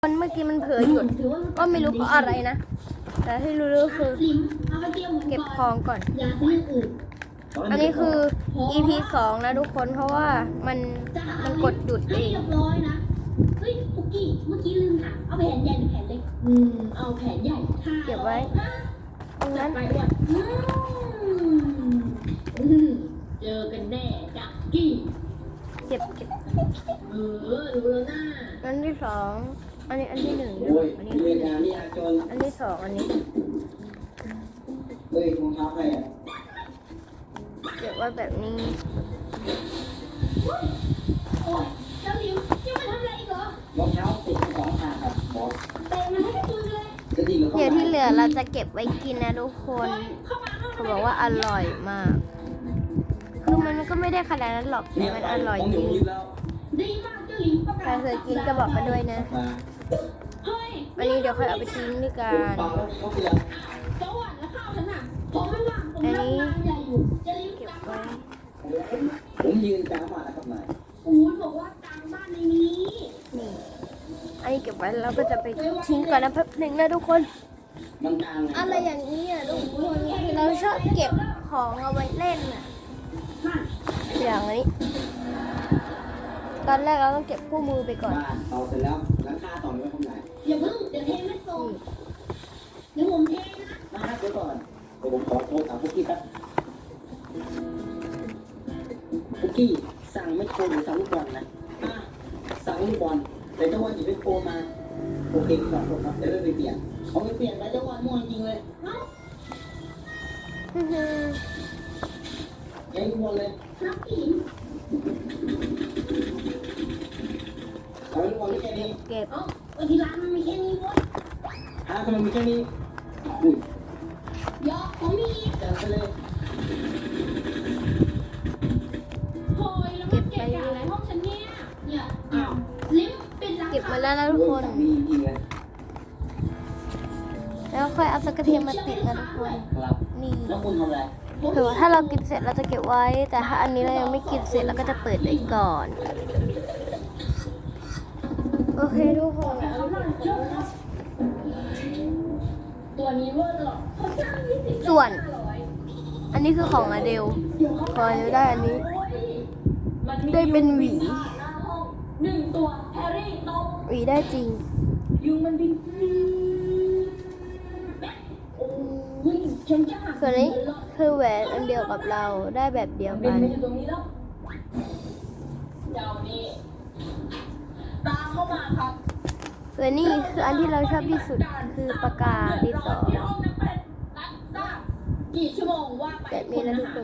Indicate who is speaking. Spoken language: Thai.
Speaker 1: คนเมื่อกี้มันเผลอหยุดก็ไม่รู้เพราะอะไรนะแต่ที่รู้ๆคือเก็บของก่อนอันนี้คือ EP 2นะทุกคนเพราะว่ามันกดหยุดเอง
Speaker 2: เฮ้ยปุกกี้เมื่อกี้ลืมถามเอาแผนใหญ่หรือแผนเล็กเอาแผนใหญ่
Speaker 1: เก็บไว้ตรงนั้น
Speaker 2: ไปด้วยเจอกันแน่จักกี้
Speaker 1: เก็บ
Speaker 2: รู้แล้วนะ
Speaker 1: อันที่2อันนี้อันที่1อันนี้อันที่2อันนี้
Speaker 3: เฮ้ยรองเท้าใครอ่ะ
Speaker 1: เก็บไว้แบบนี้
Speaker 2: โอ้ยเจ้าหลิวจะมาทำอะไรอีกเหรอ
Speaker 3: รองเท้าติดของขาครับบอส
Speaker 2: เตะมันให้กระจุยเลย
Speaker 1: เดี๋ยวที่เหลือเราจะเก็บไว้กินนะทุกคนเขาบอกว่าอร่อยมากคือมันก็ไม่ได้ขนาดนั้นหรอกแต่มันอร่อยจริง
Speaker 2: ดีมากเจ้าหลิว
Speaker 1: ใครเคยกินก็บอกกันด้วยนะวันนี้เดี๋ยวค่อยเอาไปทิ้งด้วยกัน
Speaker 2: จังหวัดและข้าวฉันน่ะผมไม่ว่างผมรับงานใหญ่อยู่จะรีบ
Speaker 1: เก็บ
Speaker 2: กลับ
Speaker 1: ไว้
Speaker 3: ผมยืนกลางบ้านนะครับนาย
Speaker 2: อู๊ดบอกว่ากลางบ้านในนี้
Speaker 1: นี่อันนี้เก็บไว้แล้วก็จะไปทิ้งก่อนนะแป๊บหนึ่งนะทุกคน
Speaker 3: มันกลาง
Speaker 1: อะไรอย่างนี้อ่ะทุกคนคือเราชอบเก็บของเอาไว้เล่นอ่ะอย่างนี้ตอนแรกเราต้องเก็บคู่มือไปก่อน
Speaker 3: บ้านต่อเสร็จแล้วหลังคาต่อไม่ทำไร
Speaker 2: อย่าเพิ่งเดี๋ยวเทไม่ส่งเดี๋ยวผมเทนะ
Speaker 3: นะครับเดี๋ยวก่อนเดี๋ยวผมขอโทรถามพุกกี้ครับพุกกี้สั่งไม่โครหรือสั่งลูกบอลนะสั่งลูกบอลแต่เจ้าวันหยิบไม่โครมาโอเคขอบคุณครับเดี๋ยวไปเปลี่ยนเขาไม่เปลี่ยนไปเจ้าวันมั่วจริงเลยยังลูกบอลเลย
Speaker 2: นักกิน
Speaker 3: เอาลูกบอลไม่แค่นี้
Speaker 1: เก็บ
Speaker 2: วันที่ร้านมันมีแค่นี้เว้ย
Speaker 3: ทำไมมีแค่นี้อุ้ย
Speaker 2: ยอผมมี
Speaker 3: จัดไปเลย
Speaker 2: โหยแล้วมันเก็บจากอะไรห้องฉันเนี่ยอ้าวลิ้มเป็นร้าน
Speaker 1: เก็บมาแล้วนะทุกคน
Speaker 3: ดีจริงเลย
Speaker 1: แล้วค่อยเอาสกกระเทียมมาติดนะทุกคน
Speaker 3: ครับ
Speaker 1: นี่
Speaker 3: แล้วคุณทำอะไร
Speaker 1: ถือว่าถ้าเรากินเสร็จเราจะเก็บไว้ แต่ถ้าอันนี้เรายังไม่กินเสร็จเราก็จะเปิดไว้ก่อนโอเคทุกคน
Speaker 2: ตัวนี้เวอร์หรอเขาจ้าง20
Speaker 1: ส่วนอันนี้คือของอเดลพอจะได้อันนี้ได้เป็นหวี
Speaker 2: 1ตัวแฮร์รี่ตก
Speaker 1: หวีได้จริง
Speaker 2: ยุงมันบิน
Speaker 1: ส่วนนี้คือแหวนอันเดียวกับเราได้แบบเดียวกัน
Speaker 2: อยู่ตรงนี้แล้วเจ้านี่ตามเข้ามาครับ
Speaker 1: ส่วนนี้คืออันที่เราชอบที่สุดคือปากกาดินสอ
Speaker 2: กี่ชั่วโมงว่าไป
Speaker 1: แบบนี้นะทุกคน